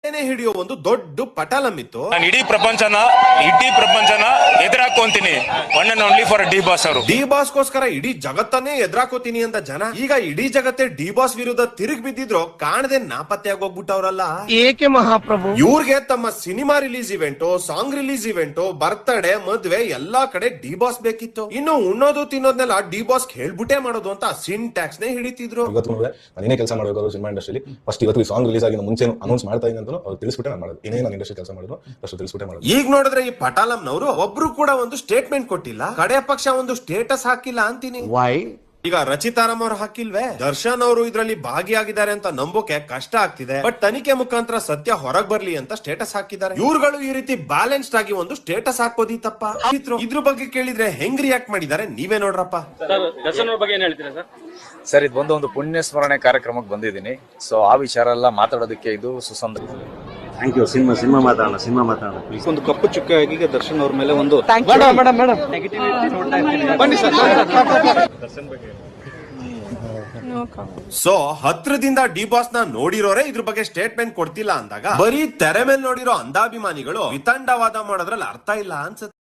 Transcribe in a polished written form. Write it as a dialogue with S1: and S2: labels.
S1: ಹಿಡಿಯೋ ಒಂದು ದೊಡ್ಡ ಪಟಾಲಮಿತ್ತು.
S2: ನಾನು ಇಡೀ ಪ್ರಪಂಚನ ಎದುರಾಕೊಂತೀನಿ one and only for D boss ಅವರು.
S1: ಡಿ ಬಾಸ್ ಗೋಸ್ಕರ ಇಡೀ ಜಗತ್ತನ್ನೇ ಎದುರಾಕೋತೀನಿ ಅಂತ ಜನ ಈಗ ಇಡೀ ಜಗತ್ತೇ ಡಿ ಬಾಸ್ ವಿರುದ್ಧ ತಿರುಗಿ ಬಿದ್ದಿದ್ರು ಕಾಣದೆ ನಾಪತ್ತೆ ಆಗೋಗ್ಬಿಟ್ಟವ್ರಲ್ಲ.
S3: ಏಕೆ ಮಹಾಪ್ರಭು?
S1: ಇವ್ರಿಗೆ ತಮ್ಮ cinema release event, song release event, birthday, ಮದ್ವೆ ಎಲ್ಲಾ ಕಡೆ ಡಿ ಬಾಸ್ ಬೇಕಿತ್ತು. ಇನ್ನು ಉಣ್ಣೋದು ತಿನ್ನೋದ್ನೆಲ್ಲ ಡಿ ಬಾಸ್ ಹೇಳ್ಬಿಟ್ಟೆ ಮಾಡೋದು ಅಂತ ಸಿನ್ ಟ್ಯಾಕ್ಸ್ ನೇ ಹಿಡಿತಿದ್ರು.
S4: ನಾನೇ ಕೆಲಸ ಮಾಡಬೇಕು ಸಿನಿಮಾ ಇಂಡಸ್ಟ್ರಿಯಲ್ಲಿ. ಫಸ್ಟ್ ಇವತ್ತು ಸಾಂಗ್ ರಿಲೀಸ್ ಆಗಿನ ಮುಂಚೆ ಅನೌನ್ಸ್ ಮಾಡ್ತಾ ಇದ್ದೀನಿ ಅಂತ ಅವ್ರು ತಿಳಿಸ್ಬಿಟ್ಟೆ ನಾನು ಮಾಡೋದು. ಏನೇ ನಾನು ಇಂಡಸ್ಟ್ರಿ ಕೆಲಸ ಮಾಡಿದ್ರು ಅಷ್ಟು ತಿಳಿಸ್ಬಿಟ್ಟೆ ಮಾಡೋದು.
S1: ಈಗ ನೋಡಿದ್ರೆ ಈ ಪಟಾಲಂನವರು ಒಬ್ರು ಕೂಡ ಒಂದು ಸ್ಟೇಟ್ಮೆಂಟ್ ಕೊಟ್ಟಿಲ್ಲ, ಕಡೆ ಪಕ್ಷ ಒಂದು ಸ್ಟೇಟಸ್ ಹಾಕಿಲ್ಲ ಅಂತೀನಿ. ಈಗ ರಚಿತಾರಾಮ್ ಅವ್ರು ಹಾಕಿಲ್ವೇ? ದರ್ಶನ್ ಅವರು ಇದ್ರಲ್ಲಿ ಭಾಗಿಯಾಗಿದ್ದಾರೆ ಅಂತ ನಂಬೋಕೆ ಕಷ್ಟ ಆಗ್ತಿದೆ. ಬಟ್ ತನಿಖೆ ಮುಖಾಂತರ ಸತ್ಯ ಹೊರಗ್ ಬರ್ಲಿ ಅಂತ ಸ್ಟೇಟಸ್ ಹಾಕಿದ್ದಾರೆ. ಇವ್ರುಗಳು ಈ ರೀತಿ ಬ್ಯಾಲೆನ್ಸ್ಡ್ ಆಗಿ ಒಂದು ಸ್ಟೇಟಸ್ ಹಾಕೋದಿ ತಪ್ಪ? ಇದ್ರ ಬಗ್ಗೆ ಕೇಳಿದ್ರೆ ಹೆಂಗ್ ರಿಯಾಕ್ಟ್ ಮಾಡಿದ್ದಾರೆ ನೀವೇ ನೋಡ್ರಪ್ಪ.
S5: ದರ್ಶನ್ ಅವ್ರ ಬಗ್ಗೆ ಏನ್ ಹೇಳ್ತೀರಾ ಸರ್?
S6: ಸರ್, ಇದು ಒಂದು ಪುಣ್ಯ ಸ್ಮರಣೆ ಕಾರ್ಯಕ್ರಮಕ್ಕೆ ಬಂದಿದ್ದೀನಿ. ಸೊ ಆ ವಿಚಾರ ಎಲ್ಲ ಮಾತಾಡೋದಕ್ಕೆ ಇದು ಸುಸಂದರ್ಭ.
S7: Thank you. ಸಿನಿಮಾ ಮಾತಾಡೋಣ ಪ್ಲೀಸ್.
S8: ಒಂದು ಕಪ್ಪು ಚುಕ್ಕೆ ಆಗಿ ದರ್ಶನ್ ಅವ್ರ ಮೇಲೆ ಒಂದು
S1: ಸೊ ಹತ್ರದಿಂದ ಡಿ ಬಾಸ್ ನ ನೋಡಿರೋರೆ ಇದ್ರ ಬಗ್ಗೆ ಸ್ಟೇಟ್ಮೆಂಟ್ ಕೊಡ್ತಿಲ್ಲ ಅಂದಾಗ ಬರೀ ತೆರೆ ಮೇಲೆ ನೋಡಿರೋ ಅಂಧಾಭಿಮಾನಿಗಳು ವಿತಂಡವಾದ ಮಾಡೋದ್ರಲ್ಲಿ ಅರ್ಥ ಇಲ್ಲ ಅನ್ಸುತ್ತೆ.